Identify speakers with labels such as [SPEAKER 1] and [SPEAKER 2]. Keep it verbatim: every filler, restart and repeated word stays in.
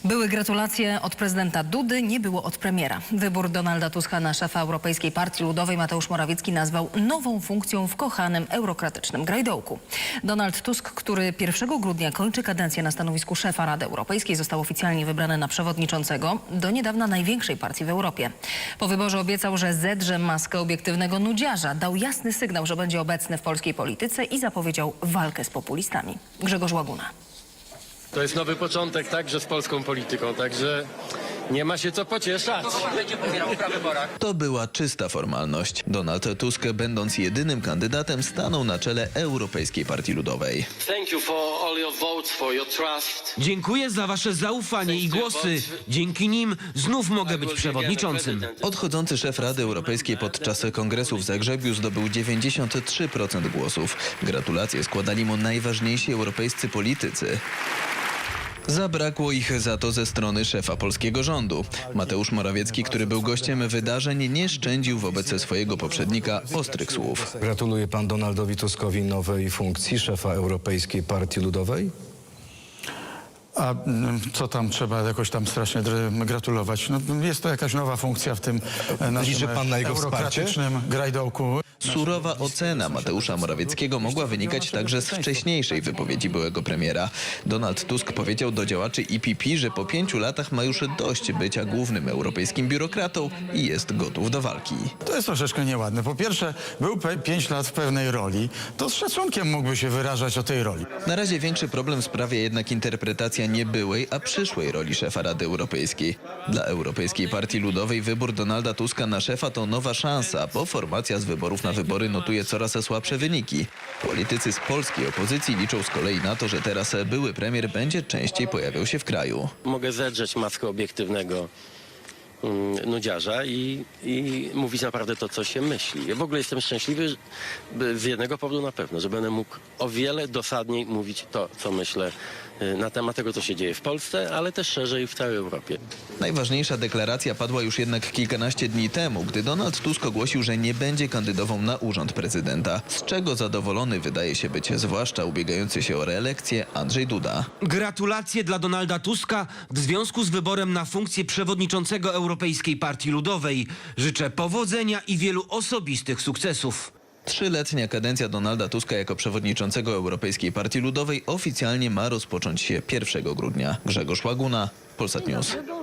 [SPEAKER 1] Były gratulacje od prezydenta Dudy, nie było od premiera. Wybór Donalda Tuska na szefa Europejskiej Partii Ludowej Mateusz Morawiecki nazwał nową funkcją w kochanym eurokratycznym grajdołku. Donald Tusk, który pierwszego grudnia kończy kadencję na stanowisku szefa Rady Europejskiej, został oficjalnie wybrany na przewodniczącego do niedawna największej partii w Europie. Po wyborze obiecał, że zedrze maskę obiektywnego nudziarza, dał jasny sygnał, że będzie obecny w polskiej polityce i zapowiedział walkę z populistami. Grzegorz Łaguna.
[SPEAKER 2] To jest nowy początek także z polską polityką, także nie ma się co pocieszać.
[SPEAKER 3] To była czysta formalność. Donald Tusk, będąc jedynym kandydatem, stanął na czele Europejskiej Partii Ludowej.
[SPEAKER 4] Dziękuję za wasze zaufanie i głosy. Dzięki nim znów mogę być przewodniczącym.
[SPEAKER 3] Odchodzący szef Rady Europejskiej podczas kongresu w Zagrzebiu zdobył dziewięćdziesiąt trzy procent głosów. Gratulacje składali mu najważniejsi europejscy politycy. Zabrakło ich za to ze strony szefa polskiego rządu. Mateusz Morawiecki, który był gościem wydarzeń, nie szczędził wobec swojego poprzednika ostrych słów.
[SPEAKER 5] Gratuluje pan Donaldowi Tuskowi nowej funkcji szefa Europejskiej Partii Ludowej?
[SPEAKER 6] A co tam trzeba jakoś tam strasznie gratulować? No, jest to jakaś nowa funkcja w tym naszym
[SPEAKER 5] Liczy pan na jego
[SPEAKER 6] eurokratycznym grajdołku.
[SPEAKER 3] Surowa ocena Mateusza Morawieckiego mogła wynikać także z wcześniejszej wypowiedzi byłego premiera. Donald Tusk powiedział do działaczy E P P, że po pięciu latach ma już dość bycia głównym europejskim biurokratą i jest gotów do walki.
[SPEAKER 6] To jest troszeczkę nieładne. Po pierwsze, był pięć lat w pewnej roli, to z szacunkiem mógłby się wyrażać o tej roli.
[SPEAKER 3] Na razie większy problem sprawia jednak interpretacja nie byłej, a przyszłej roli szefa Rady Europejskiej. Dla Europejskiej Partii Ludowej wybór Donalda Tuska na szefa to nowa szansa, bo formacja z wyborów na wybory notuje coraz słabsze wyniki. Politycy z polskiej opozycji liczą z kolei na to, że teraz były premier będzie częściej pojawiał się w kraju.
[SPEAKER 2] Mogę zedrzeć maskę obiektywnego mm, nudziarza i, i mówić naprawdę to, co się myśli. Ja w ogóle jestem szczęśliwy że- z jednego powodu na pewno, że będę mógł o wiele dosadniej mówić to, co myślę y, na temat tego, co się dzieje w Polsce, ale też szerzej w całej Europie.
[SPEAKER 3] Najważniejsza deklaracja padła już jednak kilkanaście dni temu, gdy Donald Tusk ogłosił, że nie będzie kandydował na urząd prezydenta, z czego zadowolony wydaje się być zwłaszcza ubiegający się o reelekcję Andrzej Duda.
[SPEAKER 4] Gratulacje dla Donalda Tuska w związku z wyborem na funkcję przewodniczącego Europejskiej Partii Ludowej. Życzę powodzenia i wielu osobistych sukcesów.
[SPEAKER 3] Trzyletnia kadencja Donalda Tuska jako przewodniczącego Europejskiej Partii Ludowej oficjalnie ma rozpocząć się pierwszego grudnia. Grzegorz Łaguna, Polsat News.